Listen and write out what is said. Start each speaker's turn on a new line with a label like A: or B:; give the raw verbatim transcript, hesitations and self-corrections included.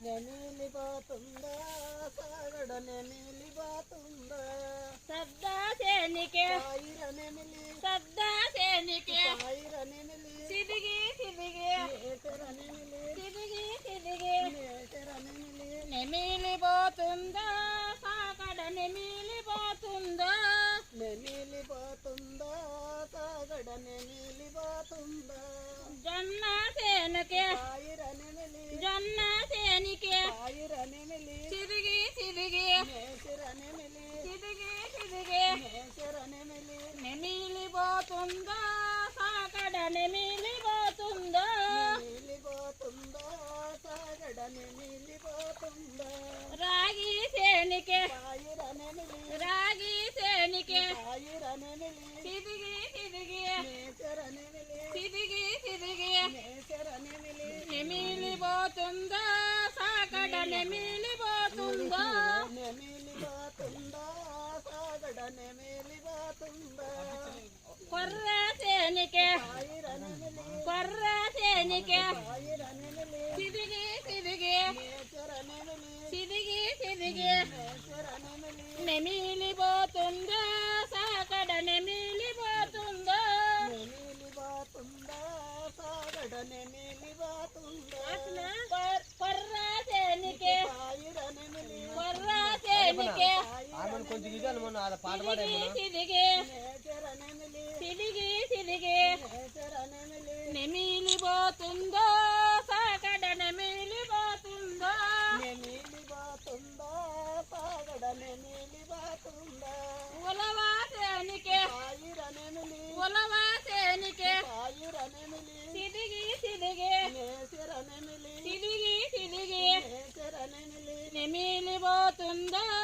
A: నెమిలిపోతుందా సాగడ నెమిలిపోతుందా
B: సద్దా సేనికే
A: సాయిర నెమిలి
B: సద్దా సేనికే
A: సాయిర నెమిలి
B: సిదిగి సిదిగి
A: నేసర నెమిలి
B: సిదిగి సిదిగి
A: నేసర నెమిలి
B: నెమిలిపోతుందా సాగడ నెమిలిపోతుందా
A: నెమిలిపోతుందా సాగడ నెమిలిపోతుందా
B: జొన్న సేనకే
A: సాయిర నెమిలి
B: జొన్న సేనికే
A: సాయిర నెమిలి
B: సిదిగి సిదిగి
A: నేసర నెమిలి
B: సిదిగి సిదిగి
A: నేసర నెమిలి
B: నెమిలిపోతుందా సాగడ నెమిలిపోతుందా
A: నెమిలిపోతుందా సాగడ నెమిలిపోతుందా
B: రాగి సేనికే
A: సాయిర నెమిలి
B: రాగి సేనికే
A: సాయిర నెమిలి
B: సిదిగి సిదిగి
A: నేసర నెమిలి
B: సిదిగి సిదిగి
A: నేసర నెమిలి
B: నెమిలిపోతుందా సాగడ నెమిలిపోతుందా
A: నెమిలిపోతుందా సాగడ నెమిలిపోతుందా
B: కొర్ర సేనికే
A: సాయిర నెమిలి
B: కొర్ర సేనికే
A: సాయిర నెమిలి
B: సిదిగి సిదిగి
A: నేసర నెమిలి
B: సిదిగి సిదిగి
A: నేసర నెమిలి
B: నెమిలిపోతుందా సాగడ నెమిలిపోతుందా
A: నెమిలిపోతుందా సాగడ నెమిలిపోతుందా
B: కొర్- కొర్ర సేనికే
A: సాయిర నెమిలి
B: కొర్ర సేనికే
C: ఆమెను కొంచెం ఇది అనుమన్నా అలా పాట పాడే
B: సిదిగి
A: నేసర నెమిలి
B: సిదిగి సిదిగి
A: నేసర నెమిలి
B: నెమిలిపోతుందా సాగడ నెమిలిపోతుందా
A: నెమిలిపోతుందా సాగడ నెమిలిపోతుందా
B: ఉలవా సేనికే
A: సాయిర నెమిలి
B: ఉలవా సేనికే
A: సాయిర నెమిలి
B: సిదిగి సిదిగి
A: నేసర నెమిలి
B: సిదిగి సిదిగి
A: నేసర నెమిలి
B: నెమిలిపోతుందా